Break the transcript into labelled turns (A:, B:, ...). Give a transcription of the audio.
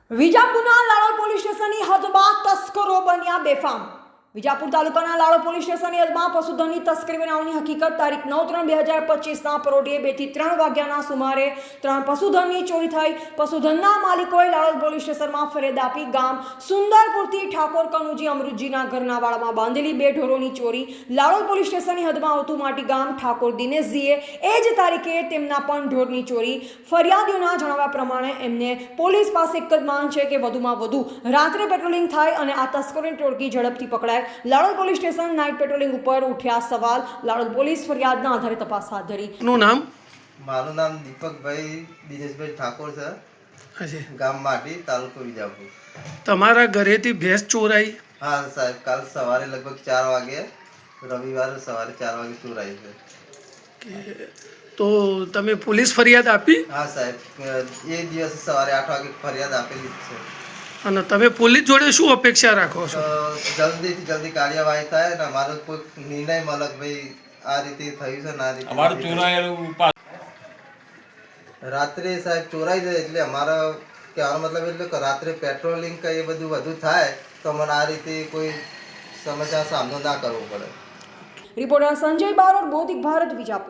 A: વિજાપુરના Ladol police સ્ટેશનની હદમાં તસ્કરો બન્યા બેફામ। વિજાપુર તાલુકાના લાડોલ પોલીસ સ્ટેશનની હદમાં પશુધનની તસ્કરી બનાવવાની હકીકત તારીખ 9/3/2025ના પરોઢિયે 2 થી 3 વાગ્યાના સુમારે 3 પશુધનની ચોરી થઈ। પશુધનના માલિકોએ લાડોલ પોલીસ સ્ટેશનમાં ફરિયાદ આપી ગામ સુંદરપુરથી ઠાકોર કનુજી અમૃતજીના ઘરના વાડામાં બાંધેલી 2 ઢોરોની ચોરી। લાડોલ પોલીસ સ્ટેશનની હદમાં આવતું માટી ગામ ઠાકોર દિનેશજીએ એ જ તારીખે તેમના પણ ઢોરની ચોરી। ફરિયાદીઓના જણાવ્યા પ્રમાણે એમને પોલીસ પાસે એક જ માંગ છે કે વધુમાં વધુ રાત્રે પેટ્રોલિંગ થાય અને આ તસ્કરોની ટોળકી ઝડપથી પકડાય। Ladol police station night patrolling ઉપર ઉઠ્યા સવાલ। લાડોલ પોલીસ ફરિયાદના આધારે તપાસ હાથ ધરી।
B: નું નામ?
C: મારું નામ દીપકભાઈ દિનેશભાઈ ઠાકોર છે, ગામ માટી, તાલુકો વિજાપુર।
B: તમારા ઘરેથી ભેંસ ચોરાઈ?
C: હા સાહેબ, કાલ સવારે લગભગ 4 વાગે, રવિવારે સવારે 4 વાગે ચોરાઈ છે।
B: તો તમે પોલીસ ફરિયાદ આપી?
C: હા સાહેબ, એ દિવસે સવારે 8 વાગે ફરિયાદ આપેલી જ છે।
B: અને તમે પોલીસ જોડે શું અપેક્ષા રાખો છો?
C: જલ્દીથી જલ્દી કાર્યવાહી થાય ને અમારો કોઈ નિર્ણય મળે કે ભાઈ આ રીતે થયું છે ને આ રીતે અમારું ચોરાયેલું રાત્રે સાહેબ ચોરાઈ જાય એટલે અમારો કહેવાનો મતલબ એટલે કે રાત્રે પેટ્રોલિંગ કે એ બધું વધુ થાય તો મને આ રીતે કોઈ સમસ્યા સામનો ના કરવો પડે।
A: રિપોર્ટર સંજય બારોટ, બોધિક ભારત, વિજાપુર।